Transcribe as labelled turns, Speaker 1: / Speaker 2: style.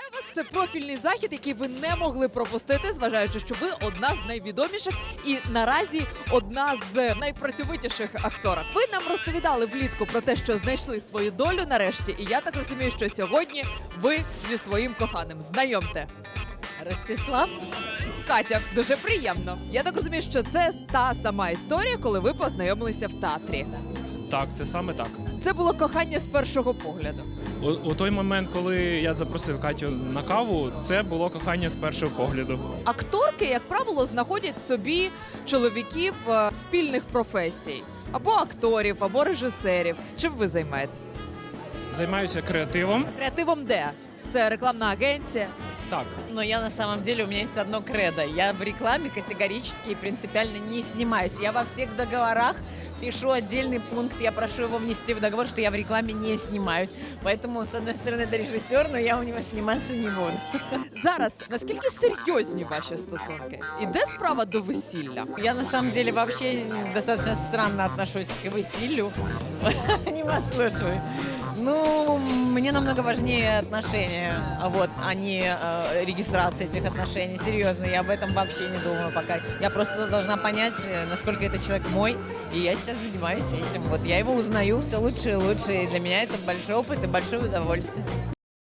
Speaker 1: Вітаю вас! Це профільний захід, який ви не могли пропустити, зважаючи, що ви одна з найвідоміших і наразі одна з найпрацьовитіших акторок. Ви нам розповідали влітку про те, що знайшли свою долю нарешті, і я так розумію, що сьогодні ви зі своїм коханим. Знайомте.
Speaker 2: Ростислав?
Speaker 1: Катя, дуже приємно. Я так розумію, що це та сама історія, коли ви познайомилися в театрі.
Speaker 3: Так, це саме так.
Speaker 1: Це було кохання з першого погляду.
Speaker 3: У той момент, коли я запросив Катю на каву, це було кохання з першого погляду.
Speaker 1: Акторки, як правило, знаходять собі чоловіків спільних професій. Або акторів, або режисерів. Чим ви займаєтесь?
Speaker 3: Займаюся креативом.
Speaker 1: Креативом де? Це рекламна агенція.
Speaker 3: Так,
Speaker 2: Но я на самом деле, у меня есть одно кредо. Я в рекламе категорически и принципиально не снимаюсь. Я во всех договорах пишу отдельный пункт, я прошу его внести в договор, что я в рекламе не снимаюсь. Поэтому, с одной стороны, это режиссер, но я у него сниматься не буду.
Speaker 1: Зараз, наскільки серйозні ваші стосунки? Іде справа до весілля?
Speaker 2: Я на самом деле вообще достаточно странно отношусь к весіллю. Не послушаю. Ну, мне намного важнее отношения, вот, а не регистрация этих отношений. Серьезно, я об этом вообще не думаю пока. Я просто должна понять, насколько этот человек мой, и я сейчас занимаюсь этим. Вот я его узнаю все лучше и лучше, и для меня это большой опыт и большое удовольствие.